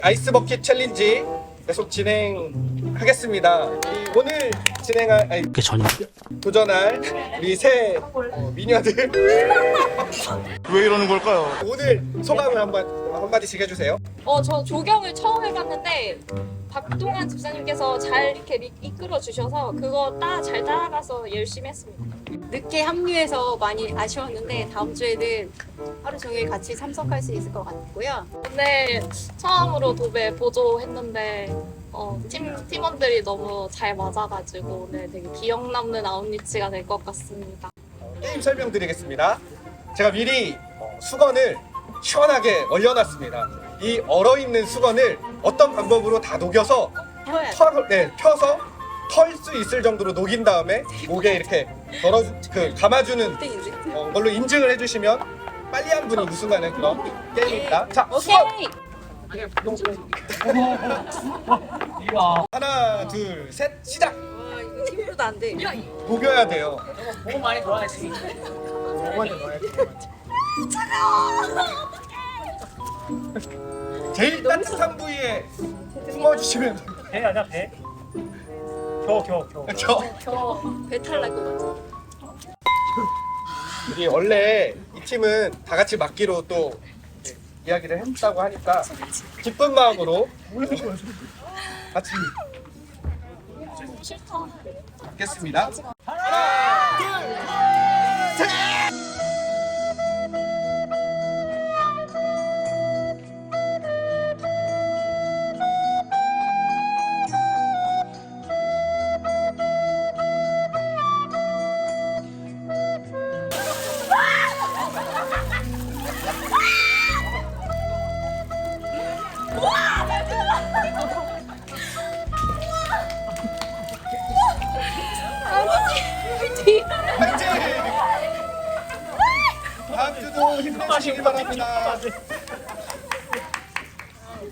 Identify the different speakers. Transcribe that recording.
Speaker 1: 아이스 버킷 챌린지 계속 진행하겠습니다. 오늘 도전할 우리 새 미녀들
Speaker 2: 왜 이러는 걸까요?
Speaker 1: 오늘 소감을 한마디씩 해주세요.
Speaker 3: 저 조경을 처음 해봤는데 박동환 집사님께서 잘 이렇게 이끌어 주셔서 그거 잘 따라가서 열심히 했습니다.
Speaker 4: 늦게 합류해서 많이 아쉬웠는데 다음 주에는 하루 종일 같이 참석할 수 있을 것 같고요.
Speaker 3: 오늘 처음으로 도배 보조했는데 팀원들이 너무 잘 맞아가지고 오늘 되게 기억 남는 아웃리치가 될 것 같습니다.
Speaker 1: 게임 설명드리겠습니다. 제가 미리 수건을 시원하게 얼려놨습니다. 이 얼어있는 수건을 어떤 방법으로 다 녹여서 펴서 털 수 있을 정도로 녹인 다음에 목에 이렇게 감아주는 걸로 인증을 해주시면 빨리 한 분이 우승하는 그런 게임입니다. 자, 수건! 하나, 둘, 셋, 시작!
Speaker 4: 이거 팀으로도 안 돼.
Speaker 1: 녹여야 돼요.
Speaker 5: 너무 많이 좋아했지.
Speaker 1: 제일 따뜻한 부위에 숨어주시면
Speaker 5: 배 아니야 배? 겨.
Speaker 4: 저 배탈 날 것 같아.
Speaker 1: 우리 원래 이 팀은 다 같이 맡기로 또 이야기를 했다고 하니까 기쁜 마음으로 같이 맡겠습니다. 하나, 둘, 셋! 파이팅! 다음 주도 힘내시길 바랍니다.